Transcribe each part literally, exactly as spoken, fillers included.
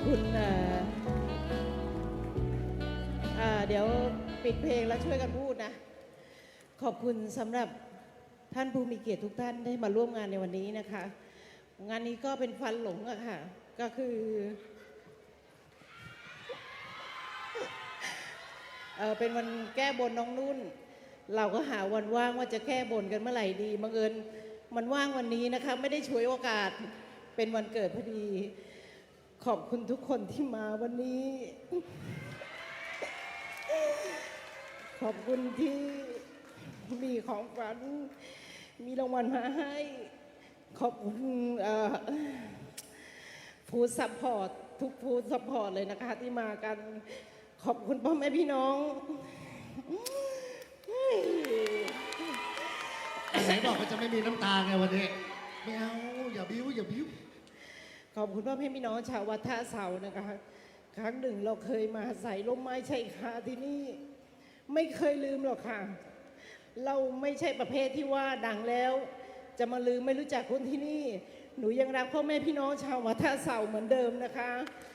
คุณเดี๋ยวปิดเพลงแล้วช่วยกันพูดนะขอบคุณสำหรับท่านผู้มีเกียรติทุกท่านได้มาร่วมงานในวันนี้นะคะงานนี้ก็เป็นฟันหลงอะค่ะก็คือเออเป็นวันแก้บนน้องนุ่นเราก็หาวันว่างว่าจะแก้บนกันเมื่อไหร่ดีบังเอิญมันว่างวันนี้นะคะไม่ได้ฉวยโอกาสเป็นวันเกิดพอดีขอบคุณทุกคนที่มาวันนี้ขอบคุณที่มีของฝันมีรางวัลมาให้ขอบคุณฟู้ดซัพพอร์ตทุกฟู้ดซัพพอร์ตเลยนะคะที่มากันขอบคุณพ่อแม่พี่น้องไหนบอกว่าจะไม่มีน้ำตาไงวันนี้ไม่เอาอย่าบิ้วอย่าบิ้วขอบคุณพ่อแม่พี่น้องชาววัดท่าเสานะคะครั้งหนึ่งเราเคยมาใส่ร่มไม้ชายคาที่นี่ไม่เคยลืมหรอกค่ะเราไม่ใช่ประเภทที่ว่าดังแล้วจะมาลืมไม่รู้จักคนที่นี่หนูยังรักพ่อแม่พี่น้องชาววัดท่าเสาเหมือนเดิมนะคะ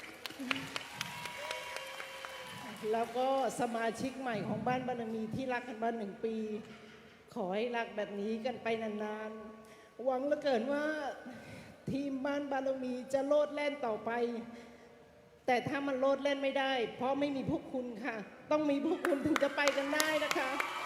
แล้วก็สมาชิกใหม่ของบ้านบารมีที่รักกันมาหนึ่งปีขอให้รักแบบนี้กันไปนานๆหวังเหลือเกินว่าทีมบ้านบารมีจะโลดแล่นต่อไปแต่ถ้ามันโลดเล่นไม่ได้เพราะไม่มีพวกคุณค่ะต้องมีพวกคุณถึงจะไปกันได้นะคะ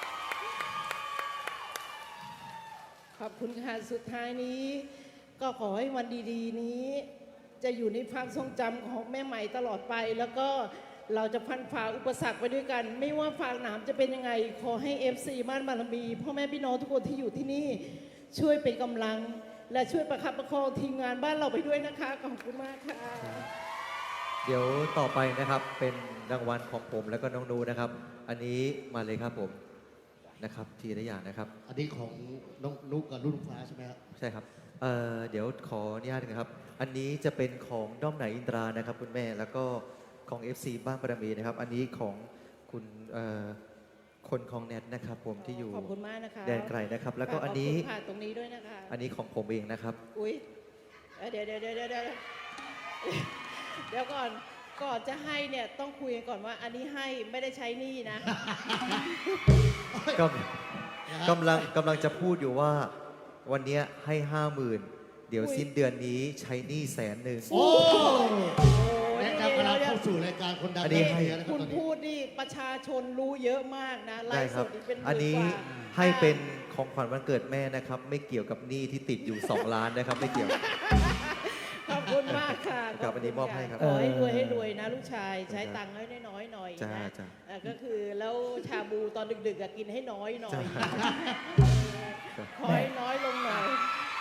ขอบคุณค่ะสุดท้ายนี้ก็ขอให้วันดีๆนี้จะอยู่ในความทรงจำของแม่ใหม่ตลอดไปแล้วก็เราจะพันฝ่าอุปสรรคไปด้วยกันไม่ว่าฝากหนามจะเป็นยังไงขอให้ เอฟ ซี บ้านบารมีพ่อแม่พี่น้องทุกคนที่อยู่ที่นี่ช่วยเป็นกำลังและช่วยประคับประคองทีมงานบ้านเราไปด้วยนะคะขอบคุณมากค่ะเดี๋ยวต่อไปนะครับเป็นรางวัลของผมแล้วก็น้องนูนะครับอันนี้มาเลยครับผมนะครับทีละอย่างนะครับอันนี้ของน้องนุกกับรุ่นฟ้าใช่ไหมครับใช่ครับเอ่อเดี๋ยวขออนุญาตนะครับอันนี้จะเป็นของด้อมไหนอินทรานะครับคุณแม่แล้วก็ของ เอฟ ซี บ้านบารมีนะครับอันนี้ของคุณเอ่อคนของแนทนะครับผมที่อยู่ขอบคุณมากนะคะแดนไกลนะครับแล้วก็อันนี้ผ่านตรงนี้ด้วยนะคะอันนี้ของผมเองนะครับอุ้ยเดี๋ยวเดี๋ยวเดี๋ยวเดี๋ยวเดี๋ยวก่อนก่อนจะให้เนี่ยต้องคุยกันก่อนว่าอันนี้ให้ไม่ได้ใช้หนี้นะก็กำลังกำลังจะพูดอยู่ว่าวันนี้ให้ห้าหมื่นเดี๋ยวสิ้นเดือนนี้ใช้หนี้แสนหนึ่งโอ้และกำลังเข้าสู่รายการคนดังนี้คุณพูดนี่ประชาชนรู้เยอะมากนะไลฟ์สดเป็นอันนี้ให้เป็นของขวัญวันเกิดแม่นะครับไม่เกี่ยวกับหนี้ที่ติดอยู่สองล้านนะครับไม่เกี่ยวขอบคุณมากค่ะกับอันนี้มอบให้ครับขอให้รวยให้รวยนะลูกชายใช้ตังค์ให้น้อยๆหน่อยนะก็คือแล้วชาบูตอนดึกๆกินให้น้อยหน่อยขอให้น้อยลงหน่อย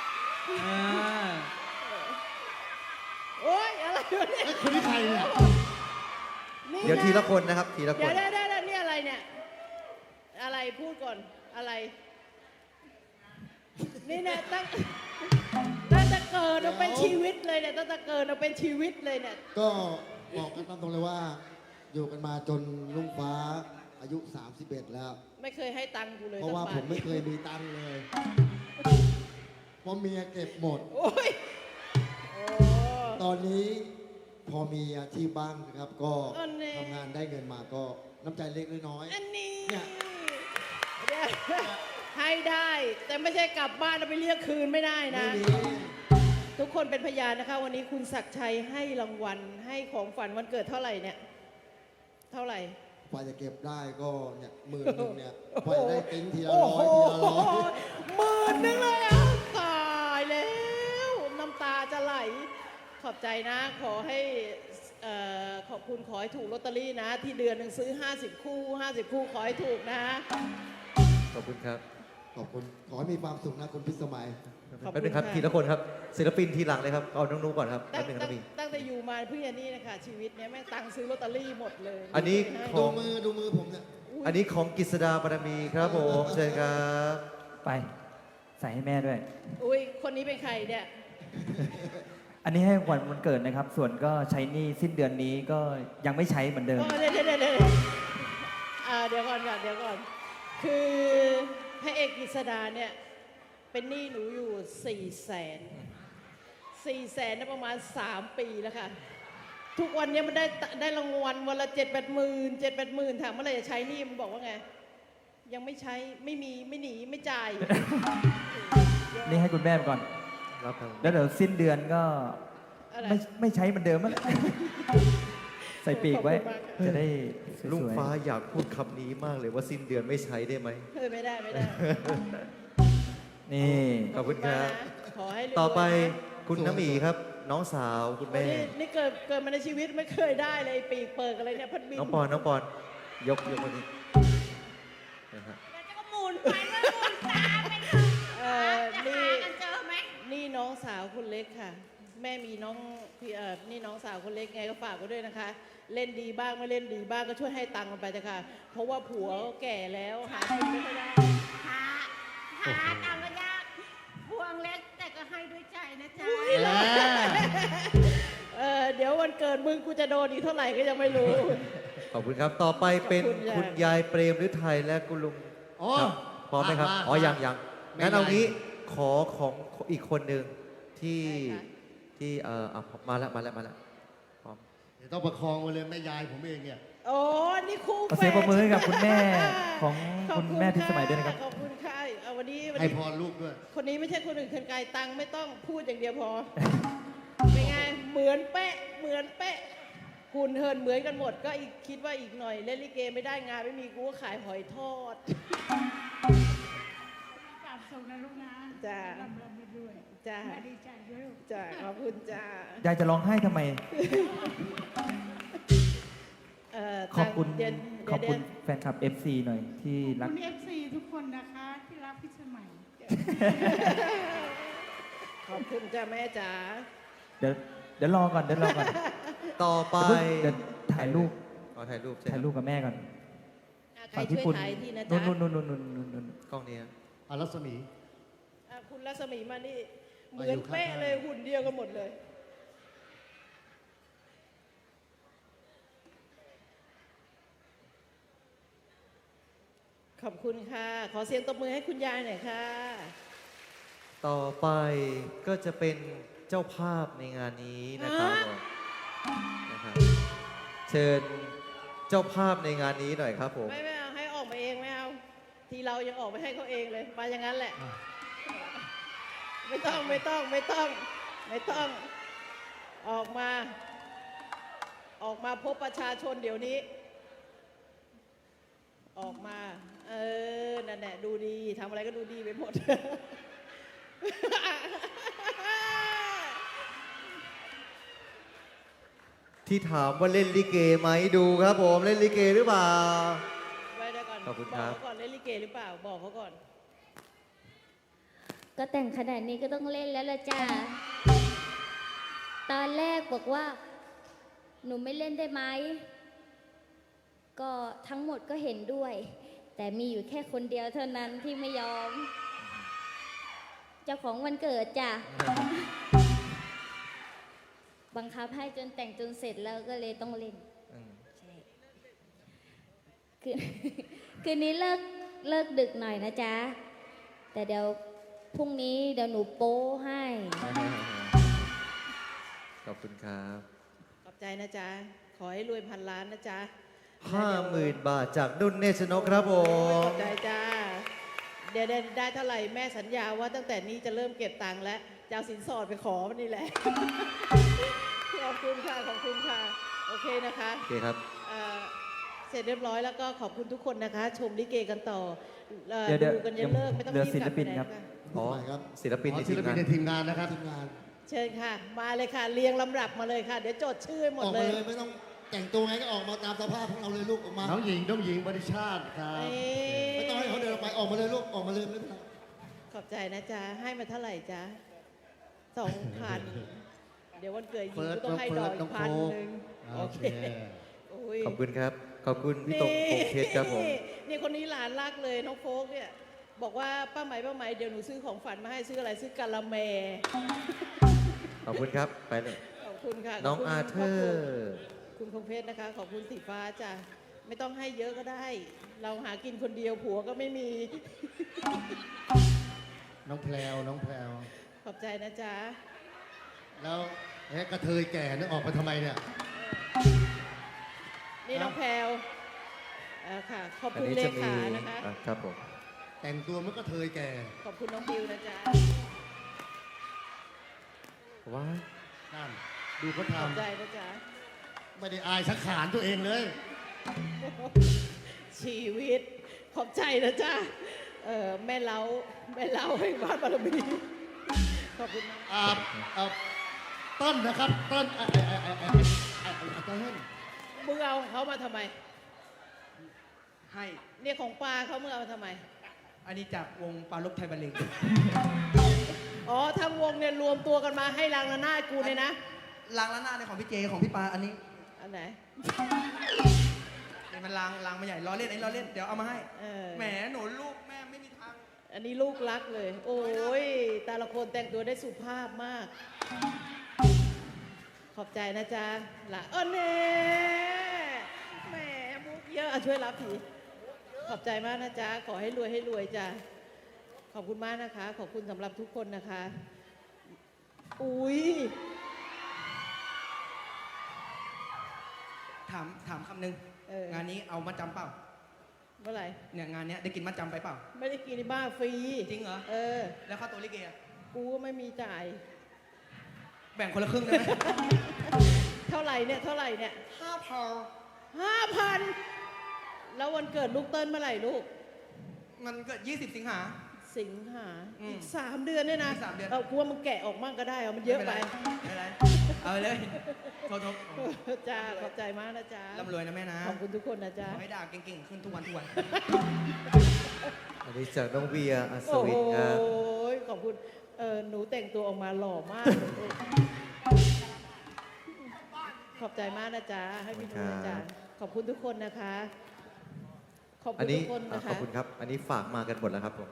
โอ๊ยอะไรวะเนี่ยคนที่ใครเนี่ยเดี๋ยวทีละคนนะครับทีละคนเดี๋ยวได้ได้นี่อะไรเนี่ยอะไรพูดก่อนอะไรนี่เนี่ยตั้งตั้งแต่เกิดเราเป็นชีวิตเลยเนี่ยตั้งแต่เกิดเราเป็นชีวิตเลยเนี่ยก็บอกกันตามตรงเลยว่าอยู่กันมาจนลุงฟ้าอายุสามสิบเอ็ดแล้วไม่เคยให้ตังค์กูเลยเพราะว่าผมไม่เคยมีตังค์เลยเพราะเมียเก็บหมดโอ้ยตอนนี้พอมีอาชีพบ้างนะครับก็ทำงานได้เงินมาก็น้ำใจเล็กน้อยอันนี้เนี่ยให้ได้แต่ไม่ใช่กลับบ้านแล้วไปเรียกคืนไม่ได้นะทุกคนเป็นพยานนะคะวันนี้คุณศักดิ์ชัยให้รางวัลให้ของฝันวันเกิดเท่าไหร่เนี่ยเท่าไหร่พอจะเก็บได้ก็เนี่ยหมื่นหนึ่งเนี่ยพอจะได้ติ้งทีละร้อยทีละร้อยหมื่นหนึ่งเลยตายแล้วน้ำตาจะไหลขอบใจนะขอให้ขอบคุณขอให้ถูกลอตเตอรี่นะที่เดือนหนึ่งซื้อห้าสิบคู่ห้าสิบคู่ขอให้ถูกนะขอบคุณครับขอบคุณขอให้มีความสุขนะคุณพิสมัยแป๊บนึงครับทีละคนครับศิลปินทีหลังเลยครับเอาน้องนุ๊กก่อนครับตั้งตั้งแต่อยู่มาเพื่อนนี่นะคะชีวิตเนี้ยแม่ตังซื้อลอตเตอรี่หมดเลยอันนี้ดูมือดูมือผมเนี่ยอันนี้ของกฤษดาบารมีครับผมเชิญครับไปใส่ให้แม่ด้วยอุ้ยคนนี้เป็นใครเนี่ยอันนี้ให้วันวันเกิดนะครับส่วนก็ใช้หนี้สิ้นเดือนนี้ก็ยังไม่ใช้เหมือนเดิมเดี๋ยวเดี๋ยวเดี๋ยวเดี๋ยวก่อนก่อนเดี๋ยวก่อนคือพระเอกกฤษดาเนี่ยเป็นหนี้หนูอยู่สี่แสนสี่แสนประมาณสามปีแล้วค่ะทุกวันเนี้ยมันได้ได้รางวัลวันละเจ็ดแปดหมื่นเจ็ดแปดหมื่นถามเมื่อไหร่จะใช้หนี่มันบอกว่าไง ยังไม่ใช้ไม่มีไม่หนีไม่จ่ายนี่ให้คุณแม่ไปก่อนรับครับแล้วเดี๋ยวสิ้นเดือนก็อะไรไม่ไม่ใช้เหมือนเดิมมั้ง ใส่ปีกไว้ขอบคุณมากค่ะจะได้สลุงวยฟ้าอยากพูดคำนี้มากเลยว่าสิ้นเดือนไม่ใช้ได้ไหมเออไม่ได้ไม่ได้ๆนี่ขอบคุณครับขอให้รวยๆต่อไปนะคุณน้ำหมีครับ น้องสาวคุณโอ้แม่นี่นี่เกิดเกิดมาในชีวิตไม่เคยได้เลยปีกเปิกอะไรเนี่ยพัดบินน้องปอนน้องปอนยกยกมาดินะฮะเดี๋ยวจะก็หมุนไปเมื่อหมุนตามไปเถอะเออจะนี่หากันเจอไหมนี่น้องสาวคนเล็กค่ะ แม่มีน้องพี่เออนี่น้องสาวคนเล็กไงก็ฝากไว้ด้วยนะคะ เล่นดีบ้างไม่เล่นดีบ้างก็ช่วยให้ตังค์มันไปเถอะค่ะ เพราะว่าผัวแก่แล้วหากินไม่ค่อยได้หาหาตามระยะพวงเล็กแต่ก็ให้ด้วยใจนะจ๊ะเออเดี๋ยววันเกิดมึงกูจะโดนอีกเท่าไหร่ก็ยังไม่รู้ขอบคุณครับ ต่อไปเป็นขอบคุณค่ะคุณยายเปรมฤทัยและคุณลุงอ๋อครับพร้อมไหมครับมามาอ๋อ ยังยังไม่งั้นเอาเป็นไรงี้ขอของอีกคนหนึ่งที่ได้ค่ะที่เอ่ออ่ะมาแล้วมาแล้วมาแล้วพร้อมเดี๋ยวต้องประคองไว้เลยแม่ยายผมเองเนี่ยโอ้นี่คู่ขอเสียงปรบมือให้กับคุณแม่ของขอบคุณแม่พิสมัยด้วยนะครับขอบคุณค่ะเอาวันนี้วันให้นี้พรลูกด้วยคนนี้ไม่ใช่คนอื่นคนไกลตังค์ไม่ต้องพูดอย่างเดียวพอ เป็นไง เหมือนเป๊ะ เหมือนเป๊ะหุ่นเหินเหมือนกันหมด ก็อีกคิดว่าอีกหน่อยเล่นลิเกไม่ได้งานไม่มีกูก็ขายหอยทอดกราบส่งนะลูกนะจ้าร่ำรำไปด้วยจ้าแม่ดีใจด้วยลูกจ้าขอบคุณจ้ายายจะร้องไห้ทำไมเอ่อขอบคุณเดี๋ยวขอบเดี๋ยวคุณแฟนคลับ เอฟ ซี หน่อยที่รักคุณเอฟซีทุกคนนะคะที่รักพิสมัยขอบคุณจ้าแม่จ๋าเดี๋ยวเดี๋ยวรอก่อนเดี๋ยวรอก่อนต่อไปเดี๋ยวถ่ายรูปอ๋อถ่ายรูปใช่ถ่ายรูปกับแม่ก่อนอ่ะใครฝั่งช่พี่วยปุณถ่ายทีนะนู่จ๊ะนนู่นนู่นนู่นนู่นนู่นกล้องนี้ฮะอารัศมีอ่ะคุณรัศมีมานี่ เหมามือยู่อนเป๊ะข้างๆเลยหุ่นเดียวกันหมดเลย ขอบคุณค่ะ ขอเสียงตบมือให้คุณยายหน่อยค่ะต่อไปก็จะเป็นเจ้าภาพในงานนี้นะครับฮะผมนะครับ เชิญเจ้าภาพในงานนี้หน่อยครับผมไม่ไม่เอาให้ออกมาเองไม่เอา ทีเรายังออกไปให้เขาเองเลยมาอย่างนั้นแหละ ไม่ต้องไม่ต้องไม่ต้อง ไม่ต้อง ออกมา ออกมาพบประชาชนเดี๋ยวนี้ ออกมา เออนั่นแหละดูดีทำอะไรก็ดูดีไปหมดที่ถามว่าเล่นลิเกไหมดูครับผมเล่นลิเกหรือเปล่าไว้ได้ก่อนขอบคุณครับอกเขาก่อนเล่นลิเกหรือเปล่า บอกเขาก่อนก็แต่งขนาดนี้ก็ต้องเล่นแล้วละจ้า ตอนแรกบอกว่า หนูไม่เล่นได้ไหม ก็ทั้งหมดก็เห็นด้วย แต่มีอยู่แค่คนเดียวเท่านั้นที่ไม่ยอม เจ้าของวันเกิดจ้ะ บังคับให้จนแต่งจนเสร็จแล้วก็เลยต้องเล่นอืมใช่คืน คืนนี้เลิกเลิกดึกหน่อยนะจ๊ะ แต่เดี๋ยวพรุ่งนี้เดี๋ยวหนูโป้ให้ขอบคุณครับขอบใจนะจ๊ะ ขอให้รวยพันล้านนะจ๊ะห้าหมื่นบาทจากนุ่นเนชนกครับผขมอบใจจ้า เดี๋ยวได้ได้เท่าไหร่แม่สัญญาว่าตั้งแต่นี้จะเริ่มเก็บตังค์แล้วจะเอาสินสอดไปขอมันนี่แหละ ขอบคุณค่ะ ขอบคุณค่ะ โอเคนะคะโอเคครับเอ่อเสร็จเรียบร้อยแล้วก็ขอบคุณทุกคนนะคะ ชมลิเกกันต่อเอ่อเดี๋ยวเดี๋ยวดูกันยันเลิกไม่ต้องเหลือรีบศิกลลับปิไปนไหนครับค่ะอ๋อทำไมครับศิลปินอ๋ในอศิทีลมปิงาน นในทีมงานนะครับทีมงานเชิญค่ะ มาเลยค่ะ เรียงลำดับมาเลยค่ะ เดี๋ยวจดชื่อให้หมอดอกเลมาย เลยไม่ต้องแต่งตัวไงก็ออกมาตามสภาพของเราเลยลูกออกมาน้องหญิงน้องหญิงบริชาติครับนี่ไม่ต้องให้เขาเดินออกไปออกมาเลยลูกออกมาเลยไม่เป็นไรขอบใจนะจ๊ะ ให้มาเท่าไหร่จ๊ะสองพันเดี๋ยววันเกิดหญิงเฟิร์สก็ต้องให้ดอกอีน้อก งพันโค้กหนึ่งโอโอเคเคโอ้ยขอบคุณครับ ขอบคุณพี่ตงพงเพชรครับผมนี่นี่คนนี้หลานรักเลยน้องโฟกเนี่ย บอกว่าป้าไหมป้าไหมเดี๋ยวหนูซื้อของฝันมาให้ซื้ออะไรซื้อกะละแมขอบคุณครับ ไปเลยขอบคุณค่ะน้องขบคุณอาเธอร์คุณพงเพชรนะคะ ขอบคุณสีฟ้าจ้ะไม่ต้องให้เยอะก็ได้ เราหากินคนเดียวผัวก็ไม่มีน้องแพลวน้องแพลวขอบใจนะจ๊ะแล้วเอ๊ะกระเทยแก่นึกออกไปทำไมเนี่ยเอนี่น้องแพรวเอ่อค่ะ ขอบอันคุณนี้เลจะมีขานะคะอ่ะครับผมแต่งตัวมันก็เทยแก่ขอบคุณน้องบิวนะจ๊ะว้ายนั่น ดูเขาขอบใจทำนะจ๊ะไม่ได้อายสักขานตัวเองเลยชีวิต ขอบใจนะจ๊ะเออแม่เล้าแม่เล้าแห่งบ้านบารมี ขอบคุณมากอ่าอ่าต้นนะครับ ต้นไอ้ไอ้ไอ้ไอ้ไอ้ไอ้ไอ้ไอ้ต้นมึงเอาของเขามาทำไมให้เนี่ยของปลาเขามึงเอามาทำไมอันนี้จากวงปลาลบไทยบัลเลงอ๋อทั้งวงเนี่ยรวมตัวกันมาให้รางระนาดกูเนี่ยนะลางละหน้าในของพี่เจของพี่ปาอันนี้อันไหนนี่มันลางลางมาใหญ่ล้อเล่นไอ้ล้อเล่นเดี๋ยวเอามาให้เออแหมหนูลูกแม่ไม่มีทางอันนี้ลูกรักเลย โอ้ยแต่ละคนแต่งตัวได้สุภาพมาก ขอบใจนะจ๊ะละเออเน่แหมมุกเยอะอ่ะช่วยรับผีขอบใจมากนะจ๊ะ ขอให้รวยให้รวยจ้ะ ขอบคุณมากนะคะ ขอบคุณสำหรับทุกคนนะคะ อุ้ยถามถามคำหนึ่งเอองานนี้เอามาจำเปล่าเมื่อไหร่เนี่ยงานเนี้ยได้กินมาจำไปเปล่าไม่ได้กินในบ้านฟรีจริงเหรอเออแล้วค่าตัวลิเกอะกูก็ไม่มีจ่ายแบ่งคนละครึ่งได้ไหมเท่าไหร่เนี่ย เท่าไหร่เนี่ยห้าพอห้าพันแล้ววันเกิดลูกเติ้ลเมื่อไหร่ลูกมันเกิดยี่สิบสิงหาสิงหาอืมอีกสามเดือนเนี่ยนะอีกสามเดือนเอากูว่ามึงแกะออกมั่งก็ได้เอามันเยอะไปม่เป็นไรเอาไปเลยโทษโทษจ้าขอบใจมากนะจ๊ะร่ำรวยนะแม่นะขอบคุณทุกคนนะจ๊ะขอให้ด่าเก่งๆขึ้นทุกวันทุกวันอันนี้จากน้องเวียอัศโอ้วิโหนครับขอบคุณเออหนูแต่งตัวออกมาหล่อมากเลยขอบใจมากนะจ๊ะให้พี่ดูนะจ๊ะขอบคุณทุกคนนะคะ ขอบอัคุนณนี้ทุกคนอ่ะนะขอคะบคุณครับ อันนี้ฝากมากันหมดแล้วครับผม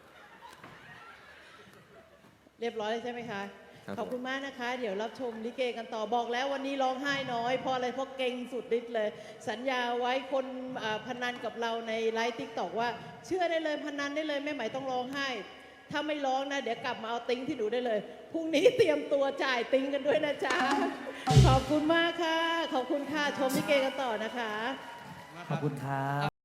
เรียบร้อยแล้วใช่ไหมคะครับขอบคุณมากนะคะ เดี๋ยวรับชมลิเกกันต่อบอกแล้ววันนี้ร้องไห้น้อยเพราะอะไรเพราะเก่งสุดฤทธิ์เลย สัญญาไว้คนอ่าพนันกับเราในไลฟ์ติ๊กตอกว่า เชื่อได้เลยพนันได้เลยแม่ไหมต้องร้องไห้ ถ้าไม่ร้องนะ เดี๋ยวกลับมาเอาติ้งที่หนูได้เลยพรุ่งนี้เตรียมตัวจ่ายติ้งกันด้วยนะจ๊ะขอบคุณมากค่ะ ขอบคุณค่ะชมลิเกกันต่อนะคะขอบคุณครับ